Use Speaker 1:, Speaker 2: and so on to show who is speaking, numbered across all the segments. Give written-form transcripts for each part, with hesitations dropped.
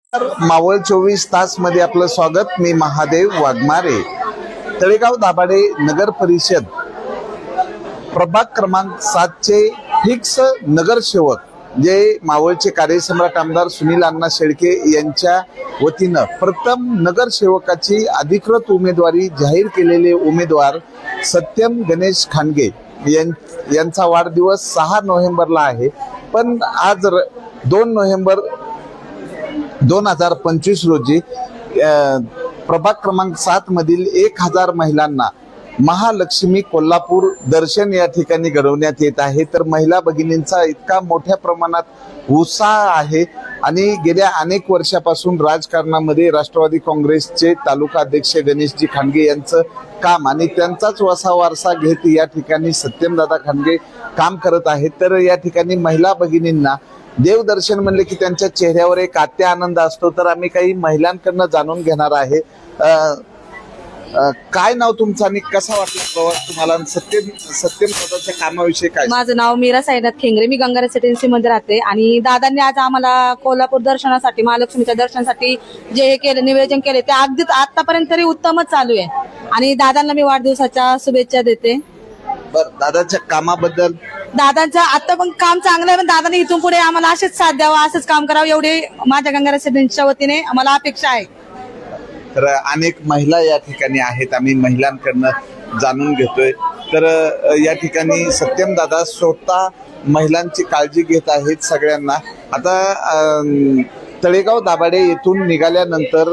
Speaker 1: मावळ 24 तास मध्ये आपलं स्वागत. मी महादेव वाघमारे. तळेगाव दाभाडे नगर परिषद प्रभाग क्रमांक 7 चे फिक्स नगरसेवक जे मावळचे कार्यसम्राट आमदार सुनील अण्णा शेळके यांच्या वतीनं प्रथम नगरसेवकाची अधिकृत उमेदवारी जाहीर केलेले उमेदवार सत्यम गणेश खांडगे यांचा वाढदिवस 6 नोव्हेंबरला आहे. पण आज 2 नोव्हेंबर 2025 रोजी प्रभाग क्रमांक 7 मधील 1000 महिलांना महालक्ष्मी कोल्हापूर दर्शन या ठिकाणी घडवण्यात येत आहे. तर महिला भगिनींचा इतका मोठ्या प्रमाणात उत्साह आहे आणि गेल्या अनेक वर्षापासून राजकारणामध्ये राष्ट्रवादी काँग्रेसचे तालुका अध्यक्ष गणेशजी खांडगे यांचं काम आणि त्यांचाच वसा वारसा घेत या ठिकाणी सत्यमदादा खांडगे काम करत आहेत. तर या ठिकाणी महिला भगिनींना देवदर्शन म्हणले की त्यांच्या चेहऱ्यावर एक आत्य आनंद असतो. तर आम्ही काही महिलांकडनं जाणून घेणार आहे. काय नाव तुमचं आणि कसा वाटला प्रवास तुम्हाला? सत्यम दादाच्या कामाविषयी काय?
Speaker 2: माझं नाव मीरा साईनाथ खेंगरे. मी गंगा रेसिडेन्सी मध्ये राहते आणि दादांनी आज आम्हाला कोल्हापूर दर्शनासाठी महालक्ष्मीच्या दर्शनासाठी जे हे केलं नियोजन केले ते अगदीच आतापर्यंत तरी उत्तमच चालू आहे आणि दादांना मी वाढदिवसाच्या शुभेच्छा देते.
Speaker 1: बरं, दादाच्या कामाबद्दल?
Speaker 2: दादांचं आता पण काम चांगलं आहे, पण दादाने इथून पुढे आम्हाला असेच साथ द्यावा, असंच काम करावं एवढी माझ्या गंगा रेसिडेन्सीच्या वतीने आम्हाला अपेक्षा आहे.
Speaker 1: तर अनेक महिला या ठिकाणी आहेत, आम्ही महिलांकडनं जाणून घेतोय. तर या ठिकाणी सत्यम दादा स्वतः महिलांची काळजी घेत आहेत सगळ्यांना. आता तळेगाव दाभाडे येथून निघाल्यानंतर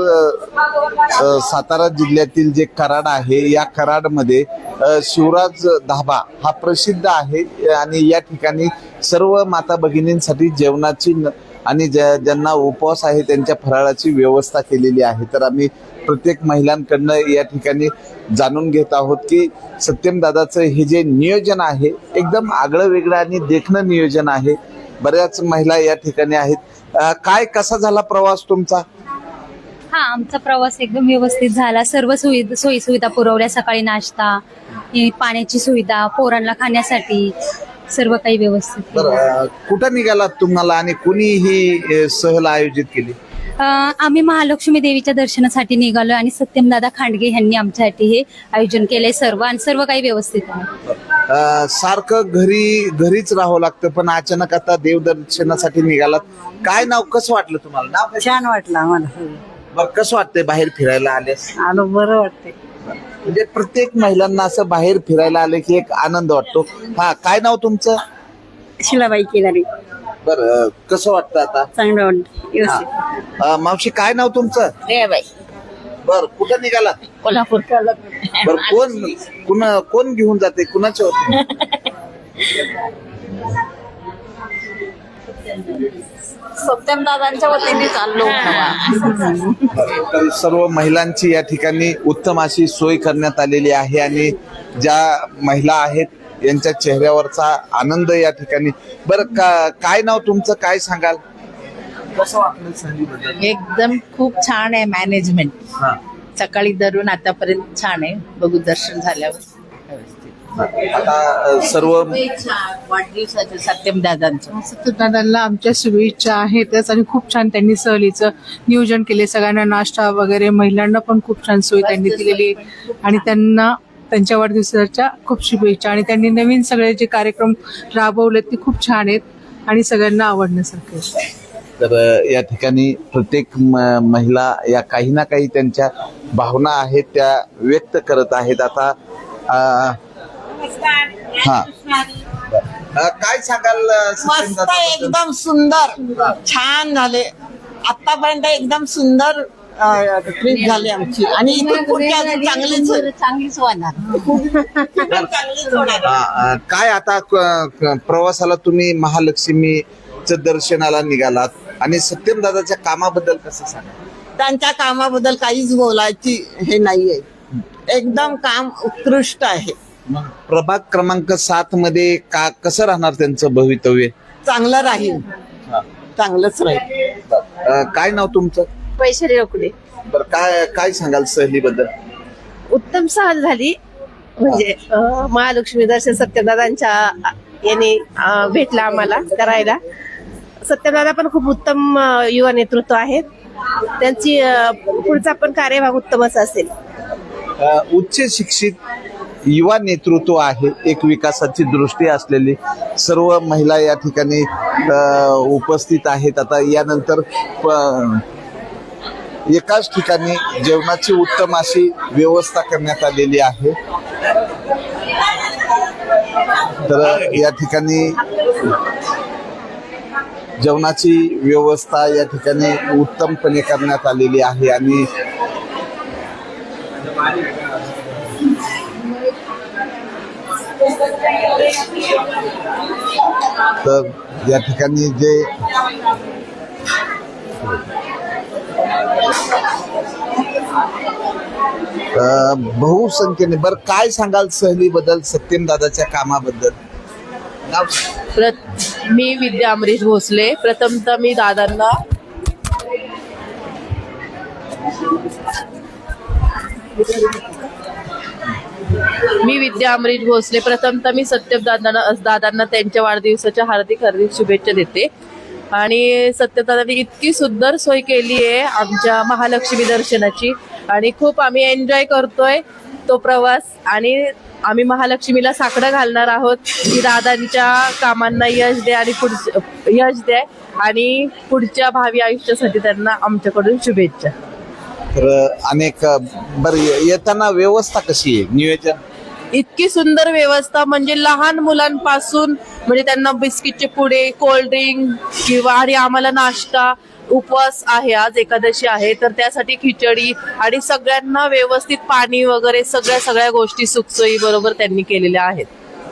Speaker 1: सातारा जिल्ह्यातील जे कराड आहे या कराडमध्ये शिवराज धाबा हा प्रसिद्ध आहे आणि या ठिकाणी सर्व माता भगिनींसाठी जेवणाची आणि ज्यांना उपवास आहे त्यांच्या फराळाची व्यवस्था केलेली आहे. तर आम्ही प्रत्येक महिलांकडनं या ठिकाणी जाणून घेत आहोत की सत्यम दादाचं हे जे नियोजन आहे एकदम आगळं वेगळं आणि देखणं नियोजन आहे. बऱ्याच महिला या ठिकाणी आहेत. काय कसा झाला प्रवास तुमचा?
Speaker 3: हा, आमचा प्रवास एकदम व्यवस्थित झाला. सर्व सोयी सुविधा पुरवल्या. सकाळी नाश्ता, पाण्याची सुविधा, पोरांना खाण्यासाठी सर्व काही व्यवस्थित.
Speaker 1: बरं, कुठं निघालात तुम्हाला आणि कुणी ही सहल आयोजित केली?
Speaker 3: आम्ही महालक्ष्मी देवीच्या दर्शनासाठी निघालो आणि सत्यमदादा खांडगे यांनी आमच्यासाठी हे आयोजन केलंय सर्व आणि सर्व काही व्यवस्थित आहे.
Speaker 1: सारखं घरीच राहावं लागतं पण अचानक आता देवदर्शनासाठी निघालात. काय नाव कसं वाटलं तुम्हाला? नाव
Speaker 4: छान वाटलं आम्हाला.
Speaker 1: बरं, कसं वाटतंय बाहेर फिरायला आल्यास?
Speaker 4: आलो, बरं वाटतंय.
Speaker 1: म्हणजे प्रत्येक महिलांना असं बाहेर फिरायला आले की एक आनंद वाटतो. हा, काय नाव तुमचं?
Speaker 4: शिलाबाई केदारी.
Speaker 1: बरं, कसं वाटतं आता?
Speaker 4: चांगलं वाटतं.
Speaker 1: हा. मावशी, काय नाव तुमचं?
Speaker 4: बाई.
Speaker 1: बर, कुठं निघालात?
Speaker 4: कोल्हापूर.
Speaker 1: बर, कोण घेऊन जाते? कुणाच्या होते?
Speaker 4: सत्यम दादांच्या वतीने चाललो.
Speaker 1: तर सर्व महिलांची या ठिकाणी उत्तम अशी सोय करण्यात आलेली आहे आणि ज्या महिला आहेत यांच्या चेहऱ्यावरचा आनंद या ठिकाणी. बरं, काय नाव तुमचं? काय सांगाल? कसं वाटलं संधीबद्दल?
Speaker 5: एकदम खूप छान आहे मॅनेजमेंट. सकाळी धरून आतापर्यंत छान आहे. बघू दर्शन झाल्यावर
Speaker 1: आता सर्व
Speaker 5: वाढदिवसाचं सत्यम दादांचं.
Speaker 6: सत्यदादांना आमच्या शुभेच्छा आहेतच आणि खूप छान त्यांनी सहलीचं नियोजन केले. सगळ्यांना नाश्ता वगैरे, महिलांना पण खूप छान सोय त्यांनी दिलेली आणि त्यांना त्यांच्या वाढदिवसाच्या खूप शुभेच्छा. आणि त्यांनी नवीन सगळे जे कार्यक्रम राबवले ते खूप छान आहेत आणि सगळ्यांना आवडण्यासारखे आहेत.
Speaker 1: तर या ठिकाणी प्रत्येक महिला या काही ना काही त्यांच्या भावना आहेत त्या व्यक्त करत आहेत. आता हा, काय सांगाल?
Speaker 7: मस्त, एकदम सुंदर, छान झाले. आतापर्यंत एकदम सुंदर ट्रिप झाली आमची आणि इथून पुढची अजून
Speaker 5: चांगलीच होणार.
Speaker 1: काय आता प्रवासाला तुम्ही महालक्ष्मीचं दर्शनाला निघालात आणि सत्यम दादाच्या कामाबद्दल कसं सांगा?
Speaker 7: त्यांच्या कामाबद्दल काहीच बोलायची हे नाहीये. एकदम काम उत्कृष्ट आहे.
Speaker 1: प्रभाग क्रमांक 7 मध्ये कसं राहणार त्यांचं भवितव्य?
Speaker 7: चांगलं राहील, चांगलंच राहील.
Speaker 1: काय नाव तुमचं?
Speaker 3: वैशाली रोकडे.
Speaker 1: बरं, काय सांगाल सहलीबद्दल?
Speaker 8: उत्तम सहल झाली. म्हणजे महालक्ष्मी दर्शन सत्यदादांच्या याने भेटला आम्हाला करायला. सत्यदादा पण खूप उत्तम युवा नेतृत्व आहेत. त्यांची पुढचा पण कार्यभाग उत्तमच असेल.
Speaker 1: उच्च शिक्षित युवा नेतृत्व आहे, एक विकासाची दृष्टी असलेली सर्व महिला या ठिकाणी उपस्थित आहेत. आता यानंतर एकाच ठिकाणी जेवणाची उत्तम अशी व्यवस्था करण्यात आलेली आहे. तर या ठिकाणी जेवणाची व्यवस्था या ठिकाणी उत्तमपणे करण्यात आलेली आहे आणि तर या ठिकाणी जे बहुसंख्येने बरं काय सांगाल सहलीबद्दल, सत्यम दादाच्या कामाबद्दल?
Speaker 5: मी विद्या अमरीश भोसले. प्रथमतः मी दादांना प्रथमतः मी सत्यम दादांना त्यांच्या वाढदिवसाच्या हार्दिक शुभेच्छा देते. आणि सत्यदादांनी इतकी सुंदर सोय केली आहे आमच्या महालक्ष्मी दर्शनाची आणि खूप आम्ही एन्जॉय करतोय तो प्रवास. आणि आम्ही महालक्ष्मीला साकडं घालणार आहोत की दादांच्या कामांना यश द्या आणि पुढच्या भावी आयुष्यासाठी त्यांना आमच्याकडून शुभेच्छा.
Speaker 1: तर अनेक बरं येताना व्यवस्था कशी आहे, नियोजन?
Speaker 5: इतकी सुंदर व्यवस्था म्हणजे लहान मुलांपासून म्हणजे त्यांना बिस्किटचे पुडे, कोल्ड्रिंक किंवा आणि आम्हाला नाश्ता. उपवास आहे, आज एकादशी आहे तर त्यासाठी खिचडी आणि सगळ्यांना व्यवस्थित पाणी वगैरे सगळ्या गोष्टी सुखसोयी बरोबर त्यांनी केलेल्या आहेत.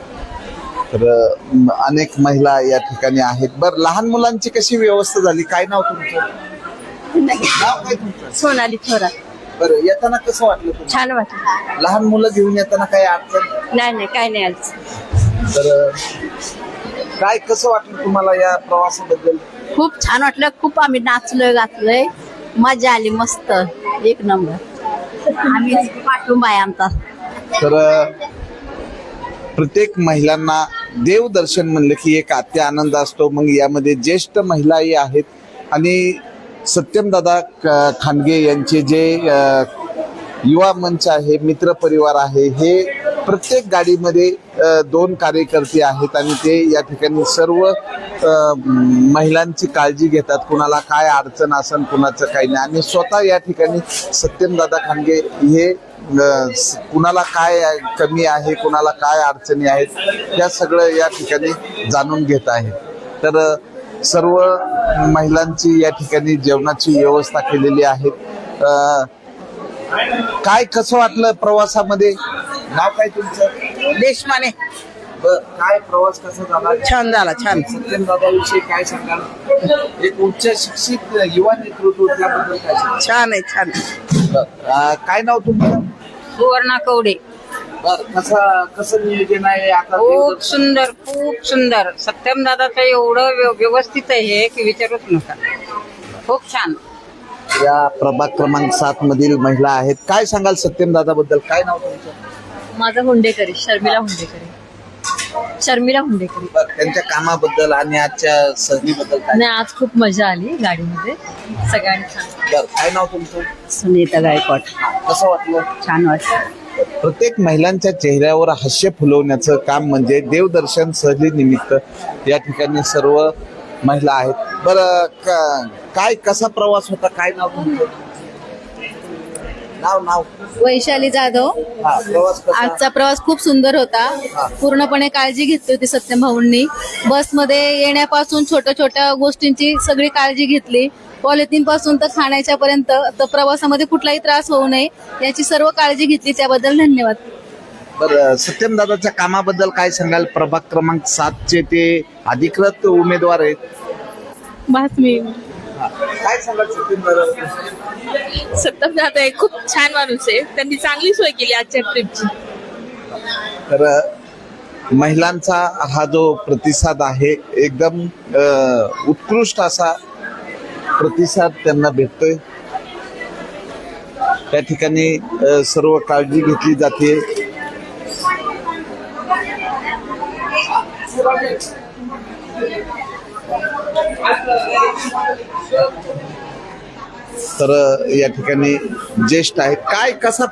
Speaker 1: तर अनेक महिला या ठिकाणी आहेत. बरं लहान मुलांची कशी व्यवस्था झाली? काय नाव तुमचं? नाव काय तुमचं?
Speaker 8: सोनाली थोरात.
Speaker 1: बरं येताना कसं वाटलं तुम्हाला?
Speaker 8: छान वाटलं.
Speaker 1: लहान मुलं घेऊन येताना काही अडचण?
Speaker 8: नाही काय नाही आज.
Speaker 1: तर काय कसं वाटलं तुम्हाला या प्रवासाबद्दल?
Speaker 4: खूप छान वाटलं. खूप आम्ही नाचलोय, गाचलोय, मजा आली, मस्त एक नंबर. आम्ही पाठिंबा आहे आमचा.
Speaker 1: तर प्रत्येक महिलांना देवदर्शन म्हणलं की एक आनंद असतो. मग यामध्ये ज्येष्ठ महिलाही आहेत आणि सत्यमदादा खांडगे यांचे जे युवा मंच आहे, मित्र परिवार आहे, हे प्रत्येक गाडीमध्ये 2 कार्यकर्ते आहेत आणि ते या ठिकाणी सर्व महिलांची काळजी घेतात. कुणाला काय अडचण असेल, कुणाचं काही नाही. आणि स्वतः या ठिकाणी सत्यमदादा खांडगे हे कुणाला काय कमी आहे, कुणाला काय अडचणी आहेत, त्या सगळं या ठिकाणी जाणून घेत आहेत. तर सर्व महिलांची या ठिकाणी जेवणाची व्यवस्था केलेली आहे. काय कसं वाटलं प्रवासामध्ये? नाव काय तुमचं?
Speaker 7: देशमाने.
Speaker 1: काय प्रवास कसा झाला?
Speaker 7: छान झाला, छान.
Speaker 1: सत्यम दादाविषयी काय सांगाल? एक उच्च शिक्षित युवा नेतृत्व त्याबद्दल काय सांगाल?
Speaker 7: छान आहे, छान.
Speaker 1: काय नाव तुमचं?
Speaker 4: सुवर्णा कवडे.
Speaker 1: कसं नियोजन आहे आता?
Speaker 4: खूप सुंदर, खूप सुंदर. सत्यम दादाचं एवढं व्यवस्थित आहे की विचारूच नका. खूप छान.
Speaker 1: या प्रभाग क्रमांक 7 मधील महिला आहेत. काय सांगाल सत्यम दादा बद्दल? काय नाव तुमचं?
Speaker 3: माझं हुंडेकरी, शर्मिला हुंडेकरी.
Speaker 1: त्यांच्या कामाबद्दल आणि आजच्या सहलीबद्दल काय?
Speaker 3: नाही, आज खूप मजा आली गाडीमध्ये, सगळ्यांनी छान.
Speaker 1: काय नाव तुमचं?
Speaker 4: सुनीता गायकवाड.
Speaker 1: कसं वाटलं?
Speaker 4: छान वाटलं.
Speaker 1: प्रत्येक महिलांच्या चेहऱ्यावर हास्य फुलवण्याचं काम म्हणजे देवदर्शन सहली निमित्त या ठिकाणी सर्व महिला आहेत. बरं काय कसा प्रवास होता? काय नाव तुमचं? नाव
Speaker 2: वैशाली जाधव.
Speaker 1: प्रवास कसा?
Speaker 2: आजचा प्रवास खूप सुंदर होता. पूर्णपणे काळजी घेतली होती सत्यम भाऊंनी. बसमध्ये येण्यापासून छोट्या गोष्टींची सगळी काळजी घेतली. पॉलिथिन पासून तर खाण्याच्या पर्यंत, तर प्रवासामध्ये कुठलाही त्रास होऊ नये याची सर्व काळजी घेतली. त्याबद्दल धन्यवाद.
Speaker 1: बरं सत्यम दादाच्या कामाबद्दल काय सांगाल? प्रभाग क्रमांक 7 ते अधिकृत उमेदवार आहेत. काय सांगाल सत्यम दादा?
Speaker 8: सत्यम दादा एक खूप छान माणूस आहे. त्यांनी चांगली सोय केली आजच्या ट्रिपची.
Speaker 1: तर महिलांचा हा जो प्रतिसाद आहे एकदम उत्कृष्ट असा प्रतिसाद त्यांना भेटतोय. त्या ठिकाणी सर्व काळजी घेतली जाते. तर या ठिकाणी ज्येष्ठ आहेत. काय कसा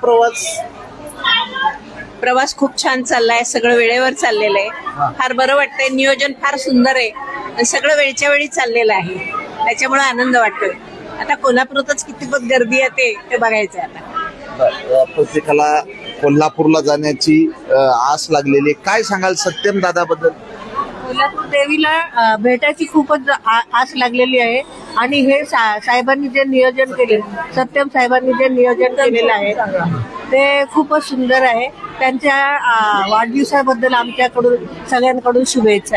Speaker 9: प्रवास खूप छान चाललाय, सगळं वेळेवर चाललेलं आहे, फार बरं वाटतंय, नियोजन फार सुंदर आहे आणि सगळं वेळच्या वेळी चाललेलं आहे, त्याच्यामुळे आनंद वाटतोय. आता कोल्हापुरातच किती गर्दी येते ते बघायचं आता.
Speaker 1: प्रत्येकाला कोल्हापूरला जाण्याची आस लागलेली आहे. काय सांगाल सत्यम दादाबद्दल?
Speaker 10: कोल्हापूर देवीला भेटायची खूपच आस लागलेली आहे आणि हे साहेबांनी जे नियोजन केले, सत्यम साहेबांनी जे नियोजन केलेलं आहे ते खूपच सुंदर आहे. त्यांच्या वाढदिवसाबद्दल आमच्याकडून सगळ्यांकडून शुभेच्छा.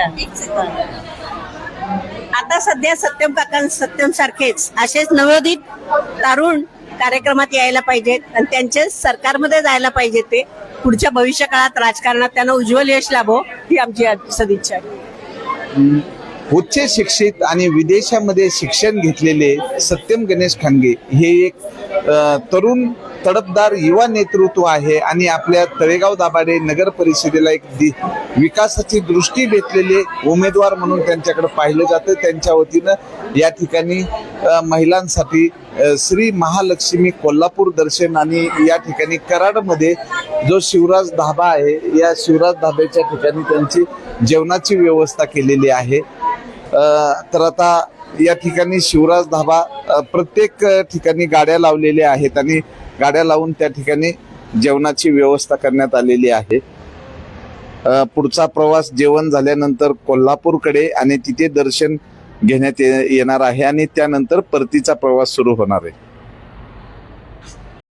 Speaker 9: आता सध्या सत्यम सारखेच असेच नवोदित तरुण कार्यक्रमात यायला पाहिजेत आणि त्यांचे सरकारमध्ये जायला पाहिजे. ते पुढच्या भविष्य काळात राजकारणात त्यांना उज्ज्वल यश लाभो ही आमची सदिच्छा आहे.
Speaker 1: उच्च शिक्षित आणि विदेशामध्ये शिक्षण घेतलेले सत्यम गणेश खानगे हे एक तरुण तडफदार युवा नेतृत्व आहे आणि आपल्या तळेगाव दाभाडे नगर परिषदेला एक विकासाची दृष्टी भेटलेले उमेदवार म्हणून त्यांच्याकडे पाहिलं जातं. त्यांच्या वतीनं या ठिकाणी महिलांसाठी श्री महालक्ष्मी कोल्हापूर दर्शन आणि या ठिकाणी कराडमध्ये जो शिवराज धाबा आहे, या शिवराज धाब्याच्या ठिकाणी त्यांची जेवणाची व्यवस्था केलेली आहे. तर आता या ठिकाणी शिवराज धाबा प्रत्येक ठिकाणी गाड्या लावलेल्या आहेत आणि गाड्या लावून त्या ठिकाणी जेवणाची व्यवस्था करण्यात आलेली आहे. पुढचा प्रवास जेवण झाल्यानंतर कोल्हापूरकडे आणि तिथे दर्शन घेण्यात येणार आहे आणि त्यानंतर परतीचा प्रवास सुरू होणार आहे.